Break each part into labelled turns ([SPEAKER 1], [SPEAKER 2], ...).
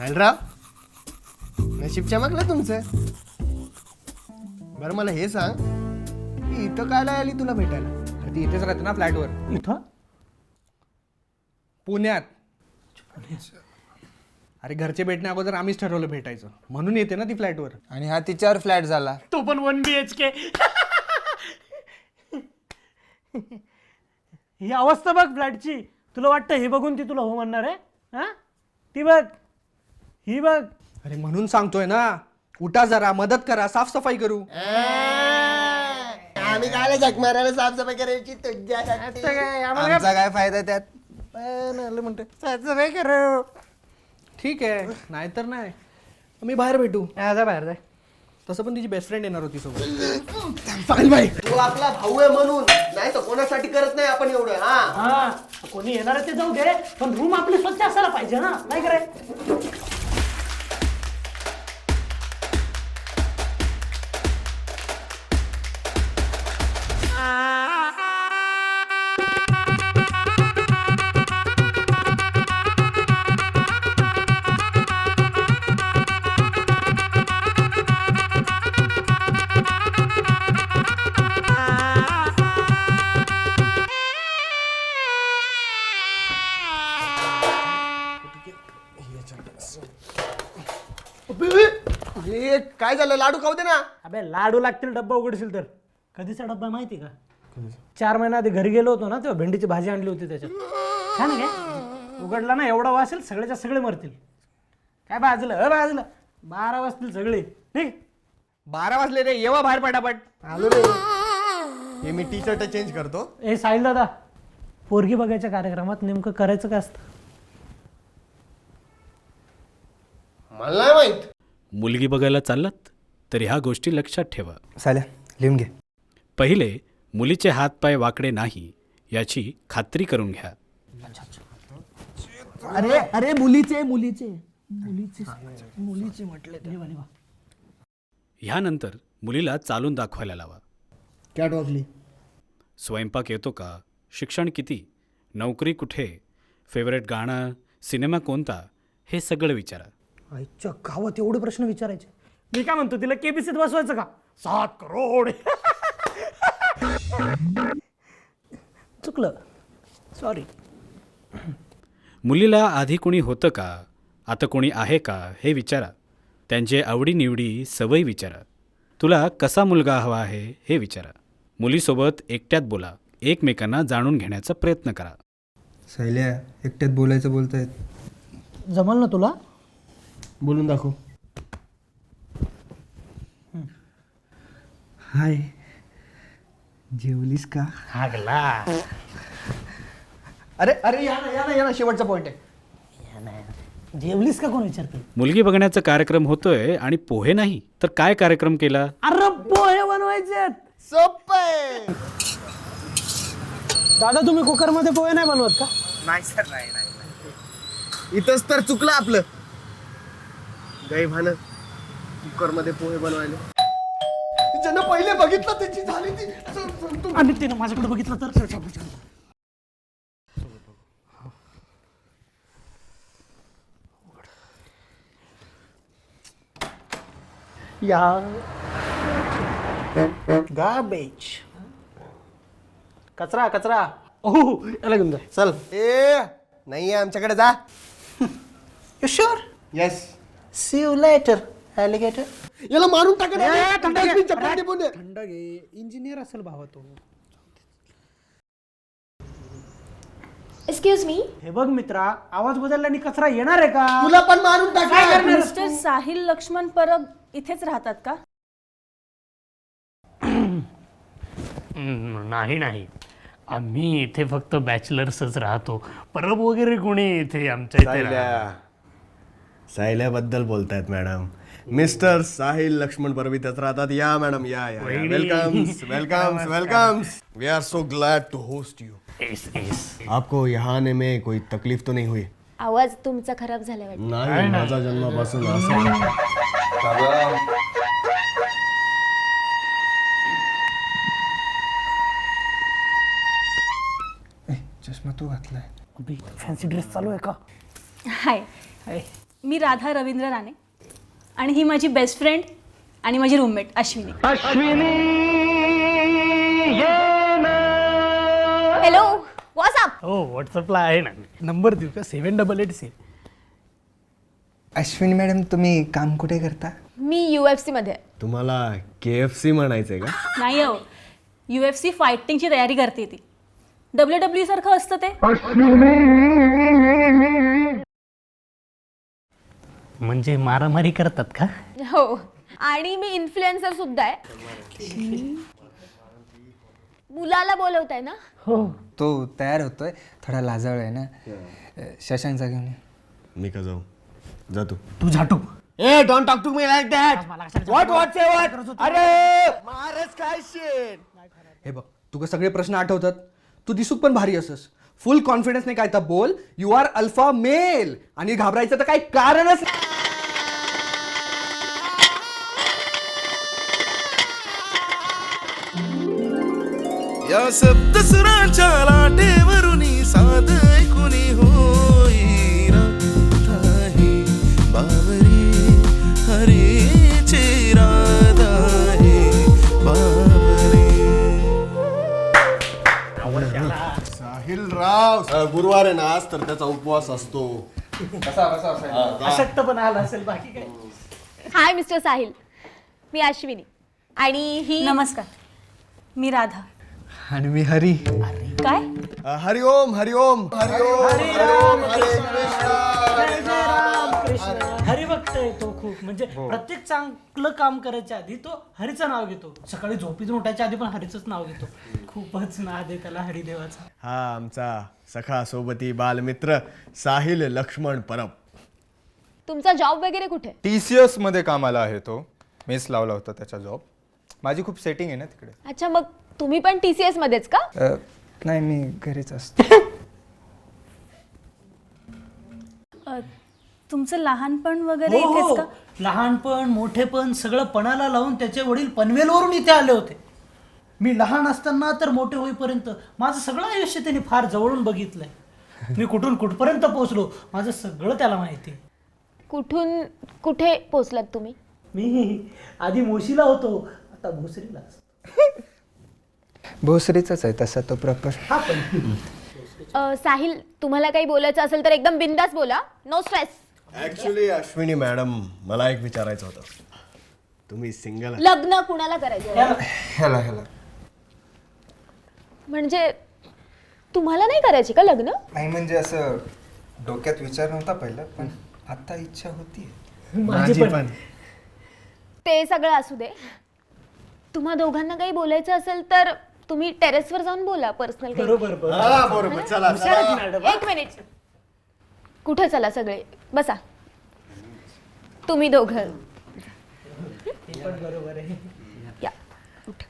[SPEAKER 1] साहिलराव, नशीब चमकलं तुमचं. बरं मला हे सांग, ती इथं कायला आली तुला भेटायला?
[SPEAKER 2] अरे ती इथेच राहते ना फ्लॅटवर,
[SPEAKER 3] इथं
[SPEAKER 2] पुण्यात. अरे घरचे भेटण्या अगोदर आम्हीच ठरवलं भेटायचं, म्हणून येते ना ती फ्लॅटवर.
[SPEAKER 4] आणि हा तिच्यावर फ्लॅट झाला.
[SPEAKER 3] तो पण 1 BHK. ही अवस्था बघ फ्लॅटची. तुला वाटतं हे बघून ती तुला हो म्हणणार आहे? हा, ती बघ, ही बघ.
[SPEAKER 2] अरे म्हणून सांगतोय ना, उठा जरा, मदत करा, साफसफाई करू.
[SPEAKER 1] आम्ही काय झक मारायला साफसफाई करायची तुझ्यासाठी.
[SPEAKER 4] आमचा काय फायदा त्यात?
[SPEAKER 2] म्हणते साफसफाई करू. ठीक आहे, नाहीतर नाही, मी बाहेर भेटू.
[SPEAKER 3] जा बाहेर जाय.
[SPEAKER 2] तसं पण तिची बेस्ट फ्रेंड येणार होती सोबत.
[SPEAKER 1] साहिल भाई, तू आपला भाऊ आहे म्हणून, नाही तर कोणासाठी करत नाही आपण एवढं. हा,
[SPEAKER 3] हा, कोणी येणार आहे ते जाऊ दे, पण रूम आपली स्वच्छ असायला पाहिजे ना, नाही करे?
[SPEAKER 1] हे काय झालं? लाडू खाऊ दे ना.
[SPEAKER 3] अबे लाडू लागतील डब्बा उघडशील तर. कधीचा डब्बा माहिती का? 4 महिना आधी घरी गेलो होतो ना, तेव्हा भेंडीची भाजी आणली होती त्याच्यात. काय ना काय उघडला ना, एवढा वासेल, सगळ्याच्या सगळे मरतील. काय भाजलं भाजलं, 12 वाजतील सगळे. ठीक,
[SPEAKER 2] 12 वाजले रे, येवा बाहेर पटापट.
[SPEAKER 1] आलो रे. हे मी टी शर्ट चेंज करतो.
[SPEAKER 3] ए साहिल दादा, पोरगी बघायच्या कार्यक्रमात नेमकं करायचं काय असतं?
[SPEAKER 1] मला नाही माहित.
[SPEAKER 5] मुलगी बघायला चाललात तर ह्या गोष्टी लक्षात ठेवा.
[SPEAKER 4] साल्या लिहून घे.
[SPEAKER 5] पहिले, मुलीचे हातपाय वाकडे नाही याची खात्री करून घ्या.
[SPEAKER 2] अरे अरे मुलीचे मुलीचे मुलीचे मुलीचे म्हटले.
[SPEAKER 5] ह्यानंतर मुलीला चालून दाखवायला लावा.
[SPEAKER 1] कॅट वॉकली.
[SPEAKER 5] स्वयंपाक येतो का, शिक्षण किती, नोकरी कुठे, फेवरेट गाणं, सिनेमा कोणता, हे सगळं विचारा.
[SPEAKER 3] आईच्या गावात एवढे प्रश्न विचारायचे. मी काय म्हणतो, तिला केबीसीत बसवायचं का? 7 करोड. चुकलं, सॉरी.
[SPEAKER 5] मुलीला आधी कोणी होतं का, आता कोणी आहे का, हे विचारा. त्यांचे आवडीनिवडी, सवयी विचारा. तुला कसा मुलगा हवा आहे हे विचारा. मुलीसोबत एकट्यात बोला, एकमेकांना जाणून घेण्याचा प्रयत्न करा.
[SPEAKER 4] सायल्या, एकट्यात बोलायचं बोलतायत.
[SPEAKER 3] जमल ना तुला?
[SPEAKER 1] बोलून दाखव.
[SPEAKER 4] हाय, जेवलीस का?
[SPEAKER 3] हागला.
[SPEAKER 1] अरे अरे या ना या ना या ना, शेवटचा पॉइंट आहे.
[SPEAKER 3] जेवलीस का कोण विचारते?
[SPEAKER 5] मुलगी बघण्याचा कार्यक्रम होतोय आणि पोहे नाही तर काय कार्यक्रम केला?
[SPEAKER 3] अरे पोहे बनवायचे.
[SPEAKER 1] सोपं आहे.
[SPEAKER 3] दादा, तुम्ही कुकर मध्ये पोहे नाही बनवत का?
[SPEAKER 4] नाही सर, नाही.
[SPEAKER 1] इथंच तर चुकलं आपलं. गैभानं कुकर मध्ये पोहे बनवायले. ज्यानं पहिले बघितलं त्याची झाली ती.
[SPEAKER 3] आणि तिनं माझ्याकडे बघितलं तर या गार्बेज, कचरा कचरा. ओह, याला घेऊन जा.
[SPEAKER 1] चल. ए नाही आमच्याकडे जा.
[SPEAKER 3] You sure?
[SPEAKER 1] Yes.
[SPEAKER 3] See you later alligator.
[SPEAKER 1] याला मारून टाका ना.
[SPEAKER 3] थंड घे.
[SPEAKER 1] डस्टबिन चपला टिपून दे.
[SPEAKER 3] थंड घे. इंजिनियर असेल भावा तो.
[SPEAKER 6] Excuse me.
[SPEAKER 3] हे बघ मित्रा, आवाज बदलल्याने कचरा येणार आहे का?
[SPEAKER 1] तुला पण मारून टाका.
[SPEAKER 6] मिस्टर साहिल लक्ष्मण परब इथेच राहतात का?
[SPEAKER 3] नाही, आम्ही इथे फक्त बॅचलर्सच राहतो. परब वगैरे कोणी इथे आमच्या इथे
[SPEAKER 1] साहिल्याबद्दल बोलतायत मॅडम. मिस्टर साहिल लक्ष्मण परब इथेच राहतात. या मॅडम, या welcomes welcomes welcomes. We are so glad to host you. आपको यहाँ आने में कोई तकलीफ तो नहीं हुई?
[SPEAKER 6] आवाज तुमचा खराब झाला वाटतं.
[SPEAKER 1] नाही, माझा जन्मापासून असं.
[SPEAKER 4] चष्मा तू घातलाय.
[SPEAKER 3] फॅन्सी ड्रेस चालू आहे का?
[SPEAKER 6] हाय. मी राधा रवींद्र राणे आणि ही माझी बेस्ट फ्रेंड आणि माझी रूममेट अश्विनी. Hello WhatsApp.
[SPEAKER 3] हो व्हॉट्सअपला आहे ना. नंबर देऊ का? 7886.
[SPEAKER 4] अश्विनी मॅडम तुम्ही काम कुठे करता?
[SPEAKER 6] मी UFC मध्ये आहे.
[SPEAKER 1] तुम्हाला KFC म्हणायचंय का?
[SPEAKER 6] नाही हो, UFC फायटिंगची तयारी करते ती. WWE सारखं असतं ते.
[SPEAKER 3] म्हणजे मारामारी करतात का?
[SPEAKER 6] हो, आणि मी इन्फ्लुएन्सर सुद्धा आहे. मुलाला बोलवताय ना?
[SPEAKER 3] हो.
[SPEAKER 4] तो तयार होतोय, थोडा लाजाळ आहे ना. शशांकचा घेऊन ये.
[SPEAKER 1] मी का जाऊ? जा तू.
[SPEAKER 3] तू झाटू.
[SPEAKER 1] ए don't talk to me like that. What say what? अरे मारच काय शेट.
[SPEAKER 2] हे बघ, तुका सगळे प्रश्न आठवतात. तू दिसूक पण भारी असस. फुल कॉन्फिडन्स नाही काय तर बोल. यू आर अल्फा मेल आणि घाबरायचं तर काही कारणच नाही.
[SPEAKER 7] या सप्तसुरांच्या लाटेवरून साध ऐकुनी होई राधाही बावरी हरीची राधाही बावरी.
[SPEAKER 1] साहिल राव गुरुवार आहे ना आज, तर त्याचा उपवास असतो.
[SPEAKER 3] अशक्त पण आला असेल, बाकी काय.
[SPEAKER 6] हाय मिस्टर साहिल, मी अश्विनी आणि ही. नमस्कार, मी राधा.
[SPEAKER 2] आणि मी हरी.
[SPEAKER 6] काय?
[SPEAKER 1] हरिओम हरिओम हरिओम हरिओम
[SPEAKER 3] हरी भक्त आहे तो खूप. म्हणजे प्रत्येक चांगलं काम करायच्या आधी तो हरीचं नाव घेतो. सकाळी झोपीतून उठायच्या आधी पण हरीचंच नाव घेतो. खूपच नाद आहे त्याला हरिदेवाचा.
[SPEAKER 1] हा आमचा सखा सोबती बालमित्र साहिल लक्ष्मण परब.
[SPEAKER 6] तुमचा जॉब वगैरे कुठे?
[SPEAKER 8] TCS मध्ये कामाला आहे तो. मेस लावला होता त्याचा जॉब. माझी खूप सेटिंग आहे ना तिकडे.
[SPEAKER 6] अच्छा, मग तुम्ही पण TCS मध्येच का?
[SPEAKER 4] नाही, मी घरीच असतो.
[SPEAKER 6] तुमचं लहानपण वगैरे
[SPEAKER 3] हो,
[SPEAKER 6] इथेच
[SPEAKER 3] हो.
[SPEAKER 6] का?
[SPEAKER 3] लहानपण मोठेपण सगळं पणाला लावून त्याचे वडील पनवेलवरून इथे आले होते. मी लहान असताना तर मोठे होईपर्यंत माझं सगळं आयुष्य त्यांनी फार जवळून बघितलंय. मी कुठून कुठपर्यंत पोहोचलो माझं सगळं त्याला माहिती.
[SPEAKER 6] कुठून कुठे पोहोचलात तुम्ही?
[SPEAKER 3] मी आधी मोशीला होतो, आता भोसरीला.
[SPEAKER 4] भोसरीचाच आहे तसा तो प्रॉपर.
[SPEAKER 3] हा पण
[SPEAKER 6] साहिल, तुम्हाला काही बोलायचं असेल तर एकदम बिंदास बोला. No stress.
[SPEAKER 1] Actually Ashwini madam, मला एक विचारायचं होतं. तुम्ही सिंगल?
[SPEAKER 6] लग्न कुणाला करायचं?
[SPEAKER 4] ह्याला
[SPEAKER 6] म्हणजे तुम्हाला नाही करायची का लग्न?
[SPEAKER 4] नाही, म्हणजे असं डोक्यात विचार नव्हता पहिला, पण आता इच्छा होती.
[SPEAKER 3] माझी पण.
[SPEAKER 6] ते सगळं असू दे. तुम्हा दोघांना काही बोलायचं असेल तर तुम्ही टेरेसवर जाऊन बोला. पर्सनल.
[SPEAKER 3] बरोबर
[SPEAKER 1] हा बरोबर. चला चला.
[SPEAKER 6] एक मिनिट. कुठे चला सगळे बसा. तुम्ही दोघं
[SPEAKER 3] बरोबर आहे.
[SPEAKER 6] या. उठ.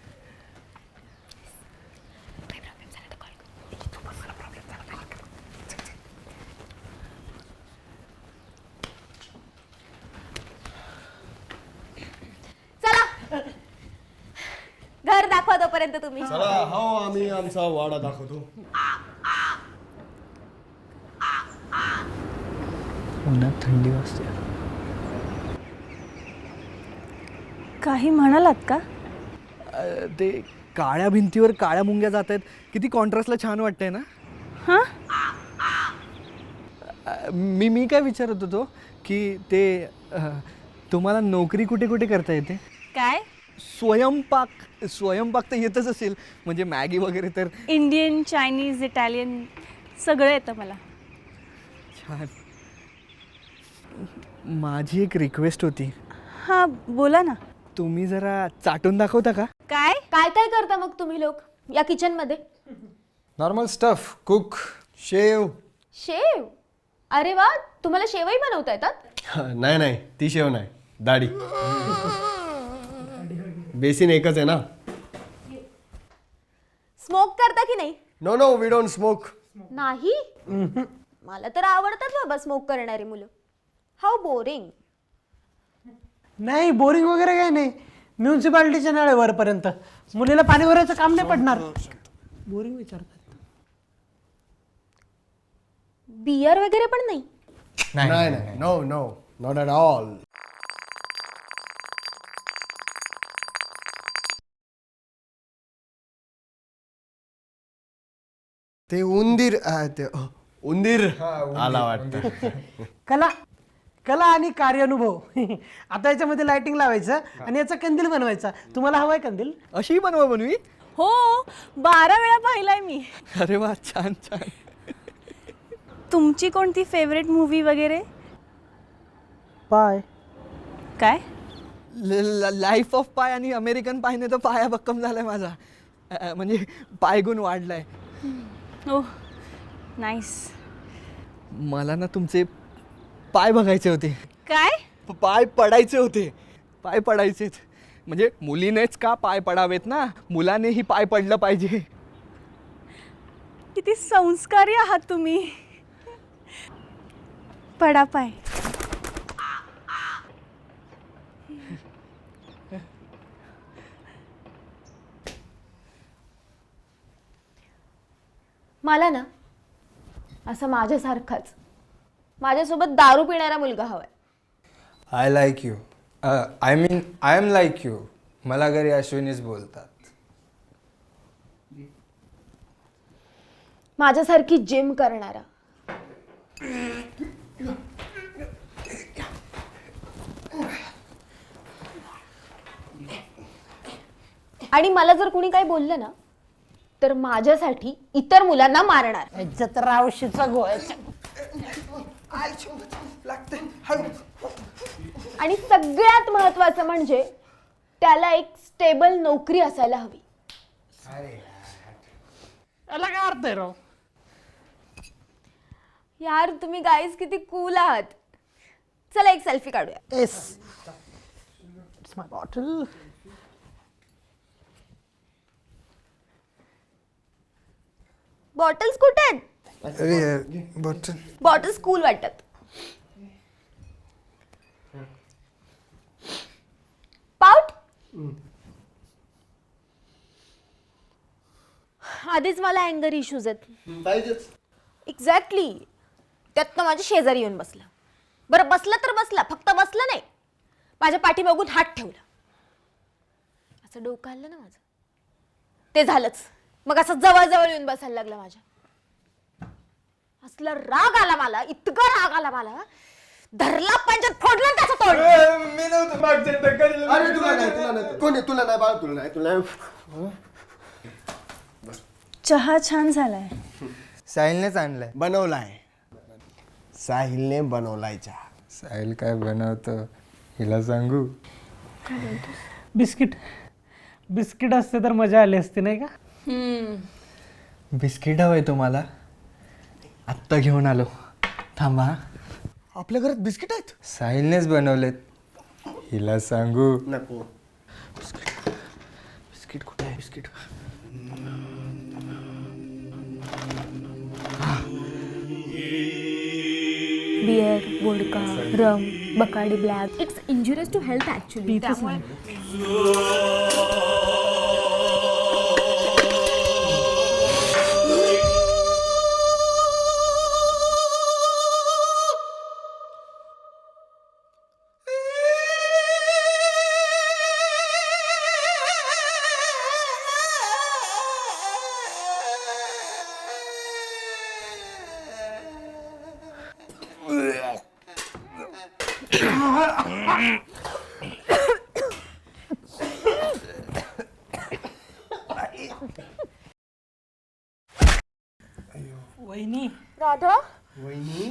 [SPEAKER 6] चला, घर दाखवा तोपर्यंत तुम्ही.
[SPEAKER 1] चला. हो, आम्ही आमचा वाडा दाखवतो.
[SPEAKER 4] उन्हात थंडी वाजते.
[SPEAKER 6] काही म्हणालात का?
[SPEAKER 2] ते काळ्या भिंतीवर काळ्या मुंग्या जात आहेत. किती कॉन्ट्रास्टला छान वाटतंय ना.
[SPEAKER 6] हा,
[SPEAKER 2] मी काय विचारत होतो की ते तुम्हाला नोकरी कुठे कुठे करता येते?
[SPEAKER 6] काय?
[SPEAKER 2] स्वयंपाक तर येतच असेल, म्हणजे मॅगी वगैरे तर.
[SPEAKER 6] इंडियन, चायनीज, इटालियन सगळं येतं मला.
[SPEAKER 2] छान. माझी एक रिक्वेस्ट होती.
[SPEAKER 6] हा, बोला ना.
[SPEAKER 2] तुम्ही जरा चाटून दाखवता का?
[SPEAKER 6] काय काय काय करता मग तुम्ही लोक या किचन मध्ये?
[SPEAKER 8] Normal stuff. Cook,
[SPEAKER 1] shave.
[SPEAKER 6] Shave? अरे वा, तुम्हाला शेवही बनवता येतात?
[SPEAKER 1] नाही नाही, ती शेव नाही, दाढी. बेसिन एकच आहे ना.
[SPEAKER 6] स्मोक करता की नाही?
[SPEAKER 1] No no, we don't smoke.
[SPEAKER 6] नाही. मला तर आवडतात बाबा स्मोक करणारी मुलं. How boring.
[SPEAKER 3] नाही, बोरिंग वगैरे काही नाही. म्युन्सिपाल्टीच्या नळ आहे वरपर्यंत. मुलीला पाणी भरायचं काम नाही पडणार. बोरिंग विचारतात.
[SPEAKER 6] बियर वगैरे पण नाही?
[SPEAKER 1] नाही नाही no no not at all. ते उंदीर उंदीर आला वाटतं.
[SPEAKER 3] कला कला आणि कार्यानुभव आता याच्यामध्ये लाइटिंग लावायचं आणि याचा कंदील बनवायचा. तुम्हाला हवाय कंदील?
[SPEAKER 2] अशी बनवा बनवी.
[SPEAKER 9] हो 12 वेळा पाहिलाय मी.
[SPEAKER 2] अरे वा, छान छान.
[SPEAKER 9] तुमची कोणती फेवरेट मूवी वगैरे?
[SPEAKER 3] पाय
[SPEAKER 9] काय?
[SPEAKER 2] लाईफ ऑफ पाय आणि अमेरिकन पायने तर पाया भक्कम झालाय माझा. म्हणजे पायगुण वाढलाय.
[SPEAKER 9] Oh nice.
[SPEAKER 2] मला ना तुमचे पाय बघायचे होते.
[SPEAKER 9] काय?
[SPEAKER 2] पाय पडायचे होते. पाय पडायचेत. म्हणजे मुलीनेच का पाय पडावेत ना, मुलानेही पाय पडलं पाहिजे.
[SPEAKER 9] किती संस्कारी आहात तुम्ही. पडा पाय.
[SPEAKER 6] मला ना असं माझ्यासारखाच माझ्यासोबत दारू पिणारा मुलगा हवाय.
[SPEAKER 4] I like you. I mean I am like you. मला घरी अश्विनीच बोलतात.
[SPEAKER 6] माझ्यासारखी जिम करणारा, आणि मला जर कुणी काही बोललं ना तर माझ्यासाठी इतर मुलांना मारणार.
[SPEAKER 3] याच्यात रावशीचा गोळ्याचा.
[SPEAKER 6] आणि सगळ्यात महत्वाचं म्हणजे त्याला एक स्टेबल नोकरी असायला हवी.
[SPEAKER 3] याला काय अर्थ आहे राव?
[SPEAKER 6] यार तुम्ही गाईज किती कूल आहात. चला एक सेल्फी काढूया.
[SPEAKER 3] Yes it's my bottle.
[SPEAKER 6] Bottles कुठे आहेत?
[SPEAKER 4] अरे बॉटल.
[SPEAKER 6] बॉटल्स कूल वाटतात. पाऊट आधीच मला अँगर इश्यूज आहेत. एक्झॅक्टली. त्यातनं माझ्या शेजारी येऊन बसला. बरं बसला तर बसला, फक्त बसला नाही, माझ्या पाठी बघून हात ठेवला. असं डोकं हल्लं ना माझं. ते झालंच. मग असं जवळ येऊन बसायला लागला माझ्या. असला राग आला मला, इतका राग आला मला, धरला पंचायत फोडलं त्याचं तोंड.
[SPEAKER 4] मी नव्हतं मागच्या टक्कर.
[SPEAKER 1] अरे तुला नाही कोणी तुला नाही बाळा तुला नाही.
[SPEAKER 9] चहा छान झालाय.
[SPEAKER 4] साहिलनेच आणलाय.
[SPEAKER 1] बनवलाय. साहिलने बनवलाय चहा.
[SPEAKER 4] साहिल काय बनवतो हिला सांगू?
[SPEAKER 3] बिस्किट बिस्किट असते तर मजा आली असते नाही का?
[SPEAKER 2] बिस्किट हवंय तुम्हाला? आत्ता घेऊन आलो. थांबा. आपल्या घरात बिस्किट आहेत?
[SPEAKER 4] साहिलनेच बनवलेत. हिला सांगू?
[SPEAKER 1] नको.
[SPEAKER 2] बिस्किट कुठे आहे? Biscuit
[SPEAKER 6] beer, vodka, rum, Bacardi black. It's injurious to health actually.
[SPEAKER 3] वहिनी
[SPEAKER 6] राधा,
[SPEAKER 1] वहिनी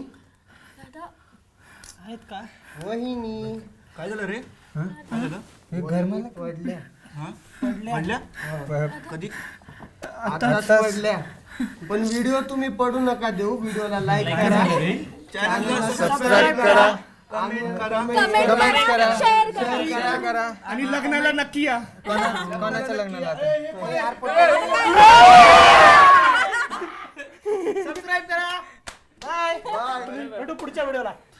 [SPEAKER 3] आहेत का?
[SPEAKER 1] वहिनी
[SPEAKER 8] काय झालं रे?
[SPEAKER 4] घर मला पडल्या.
[SPEAKER 3] पडल्या?
[SPEAKER 8] कधी?
[SPEAKER 1] आताच पडल्या. पण व्हिडिओ तुम्ही पडू नका देऊ. व्हिडिओला लाईक करा, चॅनलला सबस्क्राईब करा,
[SPEAKER 6] कमेंट करा, शेअर करा.
[SPEAKER 8] आणि लग्नाला नक्की या.
[SPEAKER 4] कोणाच्या लग्नाला आता?
[SPEAKER 3] सबस्क्राईब करा. बाय. भेटू पुढच्या व्हिडिओला.